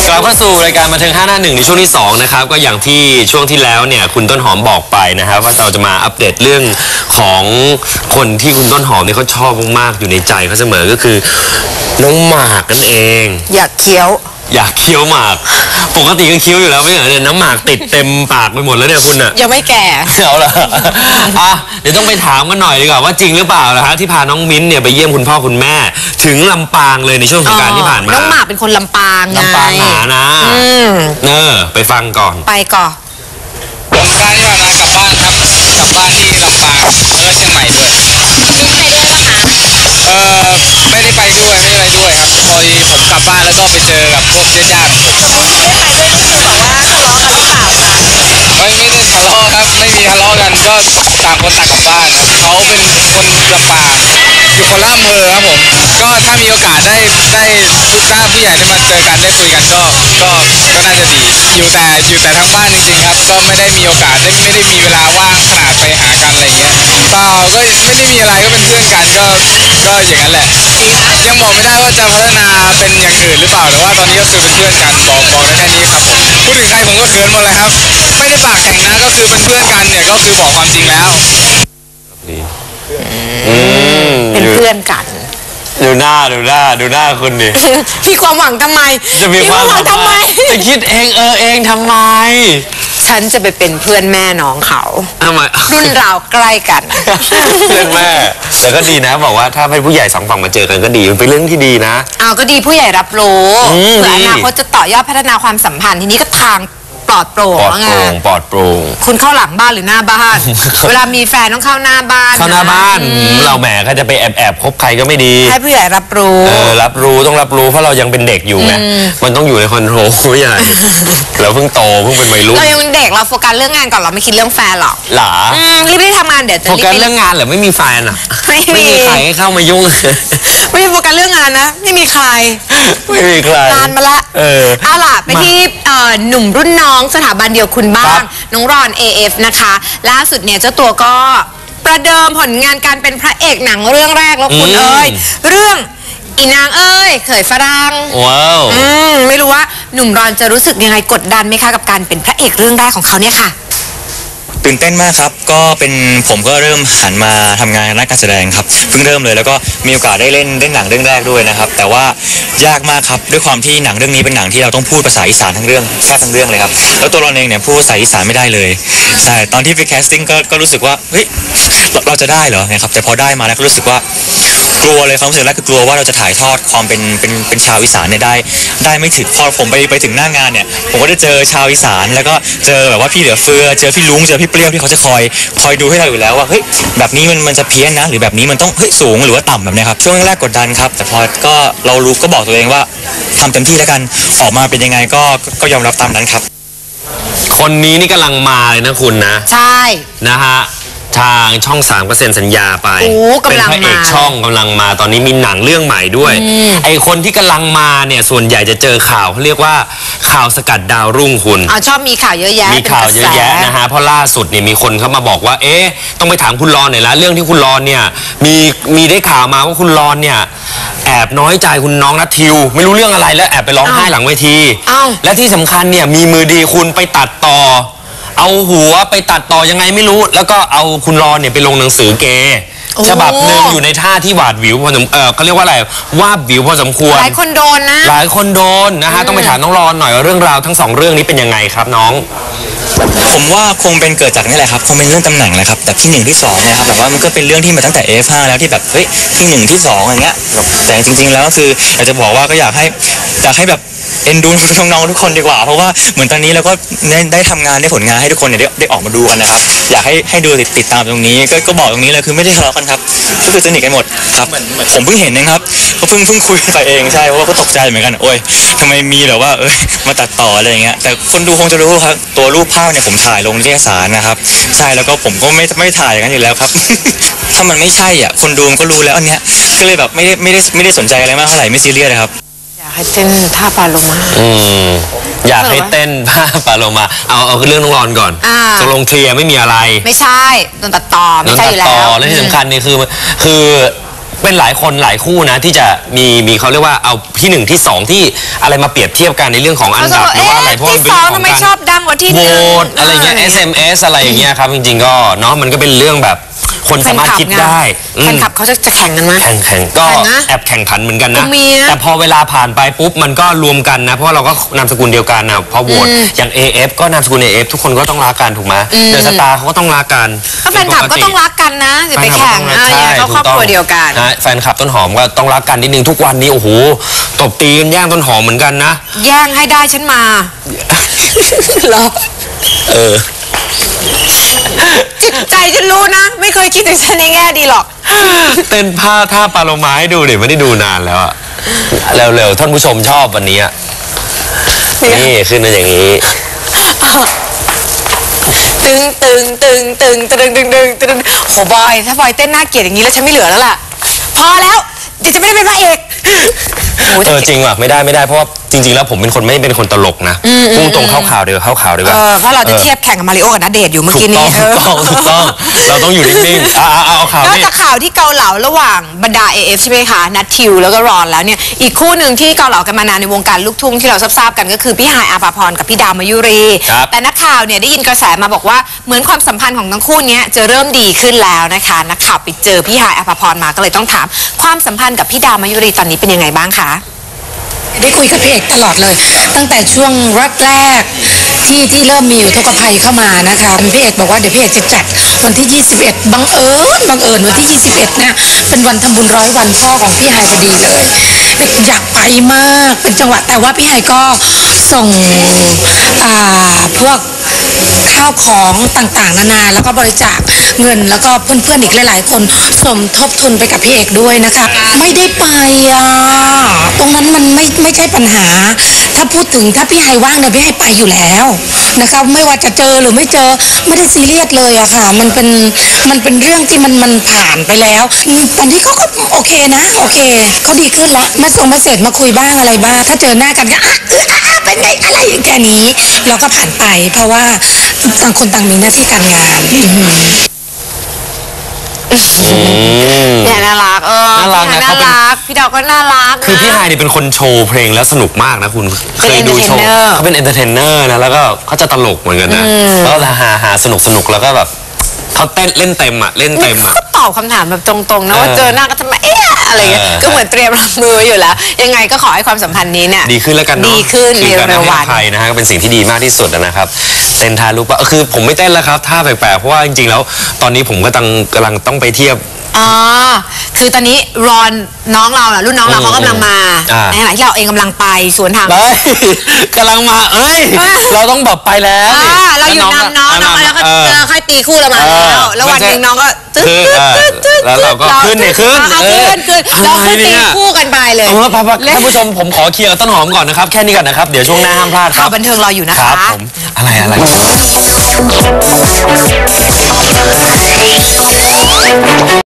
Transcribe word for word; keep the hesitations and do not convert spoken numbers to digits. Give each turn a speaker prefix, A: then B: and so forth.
A: กลับเข้าสู่รายการบันเทิงห้าหน้าหนึ่งในช่วงที่สองนะครับก็อย่างที่ช่วงที่แล้วเนี่ยคุณต้นหอมบอกไปนะครับว่าเราจะมาอัปเดตเรื่องของคนที่คุณต้นหอมเนี่ยเขาชอบมากๆอยู่ในใจเขาเสมอก็คือน้องหมากนั่นเอง
B: อยากเคี้ยว
A: อยากเคี้ยวหมากปกติก็เคี้ยวอยู่แล้วไม่เหรอเนี่ยน้ำหมากติดเต็มปากไปหมดแล้วเนี่ยคุณอะ
B: ยังไม่แก่
A: เอาละอ่ะเดี๋ยวต้องไปถามกันหน่อยดีกว่าว่าจริงหรือเปล่านะฮะที่พาน้องมิ้นเนี่ยไปเยี่ยมคุณพ่อคุณแม่ถึงลำปางเลยในช่วงสงกรานต์ที่ผ่านมา
B: น้องหมากเป็นคนลำปาง
A: ลำปางหานะเออไปฟังก่อน
B: ไปก่อน
C: สงกรานต์ที่ผ่านมากลับบ้านครับกลับบ้านที่ลำปางแล้วก็เชียงใหม่ด้วย
B: มิ้นไปด้วยปะคะ
C: เออไม่ได้ไปด้วยไม่ได้ไปด้วยครับพอดีผมกลับบ้านแล้วก็ไปเจอกับพวกญาติๆของผม
B: ไม่ได้ไปด้วยนี่คือบอกว่าทะเลาะกันหรือเปล่าคะ
C: ไม่ไม่ได้ทะเลาะครับไม่มีทะเลาะกันก็ต่างคนต่างกลับบ้านครับเขาเป็นคนลำปางอยู่คนละอำเภอครับผมก็ถ้ามีโอกาสได้ได้ทุกท่านผู้ใหญ่ได้มาเจอกันได้คุยกันก็ก็ก็น่าจะดีอยู่แต่อยู่แต่ทั้งบ้านจริงๆครับก็ไม่ได้มีโอกาสได้ไม่ได้มีเวลาว่างขนาดไปหากันอะไรเงี้ยเปล่าก็ไม่ได้มีอะไรก็เป็นเพื่อนกันก็ก็อย่างนั้นแหละยังบอกไม่ได้ว่าจะพัฒนาเป็นอย่างอื่นหรือเปล่าแต่ว่าตอนนี้ก็คือเป็นเพื่อนกันบอกบอกได้แค่นี้ครับผมพูดถึงใครผมก็เขินหมดเลยครับไม่ได้ปากแข็งนะก็คือเป็นเพื่อนกันเนี่ยก็คือบอกความจริงแล้ว
B: เป็นเพื่อนกัน
A: ดูหน้าดูหน้าดูหน้าคุณดิ
B: มีความหวังทำไม
A: จะมีความหวังทำไมจะคิดเองเออเองทำไม
B: ฉันจะไปเป็นเพื่อนแม่น้องเขา
A: ทำไม
B: รุ่นราวใกล้กัน
A: เพื่อนแม่แต่ก็ดีนะบอกว่าถ้าเป็นผู้ใหญ่สองฝั่งมาเจอกันก็ดีมันเป็นเรื่องที่ดีนะ
B: อ้าวก็ดีผู้ใหญ่รับรู้เผื่ออนาคตจะต่อยอดพัฒนาความสัมพันธ์ทีนี้ก็ทางปลอดโปร่ง
A: ปลอดโปร่งปลอดโปร่ง
B: คุณเข้าหลังบ้านหรือหน้าบ้านเวลามีแฟนต้องเข้าหน้าบ้าน
A: เข้าหน้าบ้านเราแหมก็จะไปแอบแอบคบใครก็ไม่ดี
B: ให้ผู้ใหญ่รับรู้
A: เออรับรู้ต้องรับรู้เพราะเรายังเป็นเด็กอยู่ไงมันต้องอยู่ในคอนโทรลผู้ใหญ่เราเพิ่งโตเพิ่งเป็นวัยรุ่น
B: เรายังเป็นเด็กเราโฟกัสเรื่องงานก่อนเราไม่คิดเรื่องแฟนหรอก
A: หรอ
B: รีบๆทำงานเดี๋ยวจะ
A: โฟกัสเรื่องงานหรือไม่มีแฟนอ่ะไม่มีใครให้เข้ามายุ่ง
B: ไม่โฟกัสเรื่องงานนะไม่มีใคร
A: ไม่มีใคร
B: นานมาละเออเอาล่ะไปที่หนุ่มรุ่นน้องสถาบันเดียวคุณบ้างน้องรอน เอ เอฟ นะคะล่าสุดเนี่ยเจ้าตัวก็ประเดิมผลงานการเป็นพระเอกหนังเรื่องแรกแล้วคุณเอ้ยเรื่องอีนางเอ้ยเขยฝรั่ง
A: ว้าว
B: อืมไม่รู้ว่าหนุ่มรอนจะรู้สึกยังไงกดดันไหมคะกับการเป็นพระเอกเรื่องแรกของเขาเนี่ยค่ะ
D: ตื่นเต้นมากครับก็เป็นผมก็เริ่มหันมาทำงานด้านการแสดงครับเพิ่งเริ่มเลยแล้วก็มีโอกาสได้เล่นเล่นหนังเรื่องแรกด้วยนะครับแต่ว่ายากมากครับด้วยความที่หนังเรื่องนี้เป็นหนังที่เราต้องพูดภาษาอีสานทั้งเรื่องแทบทั้งเรื่องเลยครับแล้วตัวเราเองเนี่ยพูดภาษาอีสานไม่ได้เลยใช่ตอนที่ไปแคสติ้งก็ก็รู้สึกว่าเฮ้ยเราจะได้เหรอนะครับแต่พอได้มาแล้วก็รู้สึกว่ากลัวเลยความรู้สึกแรกคือกลัวว่าเราจะถ่ายทอดความเป็นเป็นเป็นชาวอีสานเนี่ยได้ได้ไม่ถึงพอผมไปไปถึงหน้างานเนี่ยผมก็ได้เจอชาวอีสานแล้วก็เจอแบบว่าพี่เหลือเฟือเจอพี่ลุงเจอพี่เปรี้ยวที่เขาจะคอยคอยดูให้เราอยู่แล้วว่าเฮ้ยแบบนี้มันมันจะเพี้ยนนะหรือแบบนี้มันต้องเฮ้ยสูงหรือว่าต่ำแบบนี้ครับช่วงแรกกดดันครับแต่พอก็เรารู้ก็บอกตัวเองว่าทำเต็มที่แล้วกันออกมาเป็นยังไงก็ก็ยอมรับตามนั้นครับ
A: คนนี้นี่กำลังมาเลยนะคุณนะ
B: ใช่
A: นะฮะทางช่องสามก็เซ็นสัญญาไปเป็นพระเอกช่องกำลังมาตอนนี้มีหนังเรื่องใหม่ด้วยไอคนที่กำลังมาเนี่ยส่วนใหญ่จะเจอข่าวเขาเรียกว่าข่าวสกัดดาวรุ่งคุณ
B: อ๋อชอบมีข่าวเยอะแยะ
A: มีข่าวเยอะแยะนะฮะเพราะล่าสุดเนี่ยมีคนเข้ามาบอกว่าเอ๊ะต้องไปถามคุณรอนหน่อยละเรื่องที่คุณรอนเนี่ยมีมีได้ข่าวมาว่าคุณรอนเนี่ยแอบน้อยใจคุณน้องนัททิวไม่รู้เรื่องอะไรแล้วแอบไปร้องไห้หลังเวทีและที่สำคัญเนี่ยมีมือดีคุณไปตัดต่อเอาหัวไปตัดต่อยังไงไม่รู้แล้วก็เอาคุณรอนเนี่ยไปลงหนังสือเกย์ฉบับหนึ่งอยู่ในท่าที่หวาดหวิวพอสมเออเขาเรียกว่าอะไรวาบวิวพอสมควร
B: หลายคนโดนนะ
A: หลายคนโดนนะฮะต้องไปถามน้องรอนหน่อยว่าเรื่องราวทั้งสองเรื่องนี้เป็นยังไงครับน้อง
D: ผมว่าคงเป็นเกิดจากนี่แหละครับคงเป็นเรื่องตำแหน่งแหละครับแต่ที่หนึ่งที่สองเนี่ยครับแบบว่ามันก็เป็นเรื่องที่มาตั้งแต่ เอ เอฟ ห้าแล้วที่แบบเฮ้ยที่หนึ่งที่สองอย่างเงี้ยแต่จริงๆแล้วก็คืออยากจะบอกว่าก็อยากให้อยากให้แบบเอ็นดูน้องๆทุกคนดีกว่าเพราะว่าเหมือนตอนนี้เราก็ได้ได้ทำงานได้ผลงานให้ทุกคนเนี่ยได้ได้ออกมาดูกันนะครับอยากให้ให้ดูติดติดตามตรงนี้ก็ก็บอกตรงนี้เลยคือไม่ได้ทะเลาะกันครับก็คือสนิทกันหมดครับผมเพิ่งเห็นนะครับก็เพิ่งเพิ่งคุยไปเองใช่เพราะว่าก็ตกใจเหมือนกันโอ้ยทำไมมีแบบว่าเอ้ยมาตัดต่ออะไรอย่างเงี้ยแต่คนดูคงจะรู้ครับตัวรูปภาพเนี่ยผมถ่ายลงนิตยสารนะครับใช่แล้วก็ผมก็ไม่ไม่ถ่ายกันอยู่แล้วครับ ถ้ามันไม่ใช่อ่ะคนดูมันก็รู้แล้วอันเนี้ยก็เลยแบบไม่ได้ไม่ได้ไม่ได้สนใจอะไรมากเท่าไหร่ไม่ซีเรียสเลยครับ
B: อยากให้เต้นท่าปลาโลมา
A: อืมอยากให้เต้นท่าปลาโลมาเอาเอาเรื่องน้องรอนก่อนตกลงเคลียร์ไม่มีอะไร
B: ไม่ใช่โดนตัดต่อไม่ใช่อยู่แล้ว
A: และที่สำคัญนี่คือคือเป็นหลายคนหลายคู่นะที่จะมีมีเขาเรียกว่าเอาที่หนึ่งที่สองที่อะไรมาเปรียบเทียบกันในเรื่องของอันดับหรือว่าอะไรเพราะมัน
B: ที่
A: เป็น
B: สอ
A: เรื่อง งของ
B: ทำไม
A: การ
B: ชอบดังกว่าที่ห
A: โหว
B: นึ่ง
A: ตอะไรเงี้ย เอส เอ็ม เอส อะไรอย่างเงี้ยครับจริงๆก็เนาะมันก็เป็นเรื่องแบบคนสามารถคิดได้อื
B: แฟ
A: ม
B: นคลับเขาจะจะแข่งกันไหม
A: แข่งแข่งก็
B: แข่งนะ
A: แอบแข่งขันเหมือนกันนะ
B: ก็มีนะ
A: แต่พอเวลาผ่านไปปุ๊บมันก็รวมกันนะเพราะว่าเราก็นามสกุลเดียวกันนะพอโหวตอย่าง เอ เอฟ ก็นามสกุล เอ เอฟ ทุกคนก็ต้องรักกันถูกไหมเดอะสตาร์เขาก็ต้องรักกัน
B: ก็แฟนคลับก็ต้องรักกันนะอย่าไปแข่งอ่ะอย่าเขาครอบครัวเดียวกัน
A: นะแฟนคลับต้นหอมก็ต้องรักกันนิดนึงทุกวันนี้โอ้โหตบตีกันแย่งต้นหอมเหมือนกันนะ
B: แย่งให้ได้ฉันมาเหรอ
A: เออ
B: จิตใจฉันรู้นะ ไม่เคยคิดถึงฉันในแง่ดีหรอก
A: เต้นผ้าท่าปลาโลมาให้ดูดิไม่ได้ดูนานแล้วอะเร็วๆท่านผู้ชมชอบวันนี้อะนี่ขึ้นมาอย่างนี้
B: ตึงตึงตึงตึงตึงตึงตึงตึงโหบอยถ้าบอยเต้นน่าเกลียดอย่างนี้แล้วฉันไม่เหลือแล้วล่ะพอแล้วเดี๋ยวจะไม่ได้เป็นพระเอกโห
A: เออจริงว่ะไม่ได้ไม่ได้เพราะว่าจริง ๆ แล้วผมเป็นคนไม่เป็นคนตลกนะพุ่งตรงเข้าข่าวเดียวเข้าข่าวดีก
B: เอ
A: ว่า
B: อเพราะเราจะเทียบแข่งกับมาริโอกับณเดชน์อยู่เมื่อ
A: ถู
B: กี้
A: กต้
B: นี้
A: องถูกต้องถูกต้องเราต้องอยู่นิ่งๆอ่าเอาข่าวน
B: อก
A: นี่
B: จากข่าวที่เกาเหลาระหว่างบรรดา เอ เอฟ ใช่ไหมคะนัททิวแล้วก็รอนแล้วเนี่ยอีกคู่หนึ่งที่เกาเหลากันมานานในวงการลูกทุ่งที่เราทราบๆกันก็คือพี่ฮายอาภาพรกับพี่ดาวมายุรี
A: ครับ
B: แต่นักข่าวเนี่ยได้ยินกระแสมาบอกว่าเหมือนความสัมพันธ์ของทั้งคู่เนี้ยจะเริ่มดีขึ้นแล้วนะคะนักข่าวไปเจอพี่ฮายอาภาพรมาก็เลยต้องถามความสัมพันธ์กับพี่ดาวมายุรีตอนนี้เป็นยังไงบ้างคะ
E: ได้คุยกับพี่เอกตลอดเลย ตั้งแต่ช่วงแรกๆที่ที่เริ่มมีอุทกภัยเข้ามานะคะพี่เอกบอกว่าเดี๋ยวพี่เอกจะจัดวันที่ ยี่สิบเอ็ด บังเอิญบังเอิญวันที่ ยี่สิบเอ็ดเนี่ยเป็นวันทำบุญร้อยวันพ่อของพี่ไฮพอดีเลยเอกอยากไปมากเป็นจังหวะแต่ว่าพี่ไฮก็ส่งอ่าพวกข้าวของต่างๆนานาแล้วก็บริจาคเงินแล้วก็เพื่อนๆอีกหลายๆคนสมทบทุนไปกับพี่เอกด้วยนะคะไม่ได้ไปอ่ะตรงนั้นมันไม่ไม่ใช่ปัญหา ถ้าพูดถึงถ้าพี่ไฮว่างเนี่ยพี่ไฮไปอยู่แล้วนะคะไม่ว่าจะเจอหรือไม่เจอไม่ได้ซีเรียสเลยอะค่ะมันเป็นมันเป็นเรื่องที่มันมันผ่านไปแล้วอืมตอนนี้เขาก็โอเคนะโอเคเขาดีขึ้นละมาส่งมาเสร็จมาคุยบ้างอะไรบ้างถ้าเจอหน้ากันก็อ่ะเอออ่ะอ่ะเป็นไงอะไรแค่นี้เราก็ผ่านไป เพราะว่าต่างคนต่างมีหน้าที่การงานอือหือ
B: เนี่ยน่ารักเออ
A: น่ารักนะ
B: พี่ฮาย
A: เขาเป็น
B: น่ารักพี่ดาวก็น่ารักนะ
A: คือพี่ฮายนี่เป็นคนโชว์เพลงแล้วสนุกมากนะคุณเคยดูโชว์
B: entertainer
A: เขาเป็นเอนเตอร์เทนเนอร์นะแล้วก็เขาจะตลกเหมือนกันนะแล้วก็หาหาสนุกสนุกแล้วก็แบบเขาเต้นเล่นเต็มอ่ะเล่นเต็มอ่ะ
B: ก็ตอบคำถามแบบตรงๆนะว่า
A: เออ
B: เจอหน้าก็ทำไมเอ๊ะอะไรเงี้ย
A: เออ
B: ก็เหมือนเตรียมรับมืออยู่แล้ว ยังไงก็ขอให้ความสัมพันธ์นี้เนี่ย
A: ดีขึ้นแล้วกันเนาะ
B: ดีขึ้นใน
A: คือการ
B: เร็ว
A: ให้
B: วั
A: อน ภัยนะฮะก็เป็นสิ่งที่ดีมากที่สุดนะครับเต้นท่าลูกปะคือผมไม่เต้นแล้วครับท่าแปลกๆเพราะว่าจริงๆแล้วตอนนี้ผมก็กำลังกำลังต้องไปเทียบ
B: อ๋อคือตอนนี้รอนน้องเราน่ะรุ่นน้องเราเขากำลังมา
A: อ่า
B: ในขณะที่เราเองกำลังไปสวนทาง
A: เฮ้ยกำลังมาเอ้ย เราต้องแบบไปแล้ว
B: อ่า
A: นี่
B: เราอยู่นำน้องน้องแล้วก็
A: เออ
B: เจอค่อยตีคู่เรามา
A: เออ
B: แล้วแล้ววันหนึ่งน้องก็ตึ๊ด
A: คือ
B: ตึ๊ดตึ๊ดตึ๊ด
A: แล้วเราก็ขึ้นเนี่ยขึ้น
B: อ่า
A: เออ
B: ขึ้นขึ้นเรา
A: อะไร
B: ขึ้น
A: เนี่
B: ตี
A: ย
B: คู่กันไปเลย
A: เอาละพักๆท่านผู้ชมผมขอเคลียร์กับต้นหอมก่อนนะครับแค่นี้ก่อนนะครับเดี๋ยวช่วงหน้าห้ามพลาดค
B: ข่า
A: รั
B: ว
A: บ
B: บันเทิงรออยู่นะ
A: ค
B: คะ
A: รับผมอะไรอะไร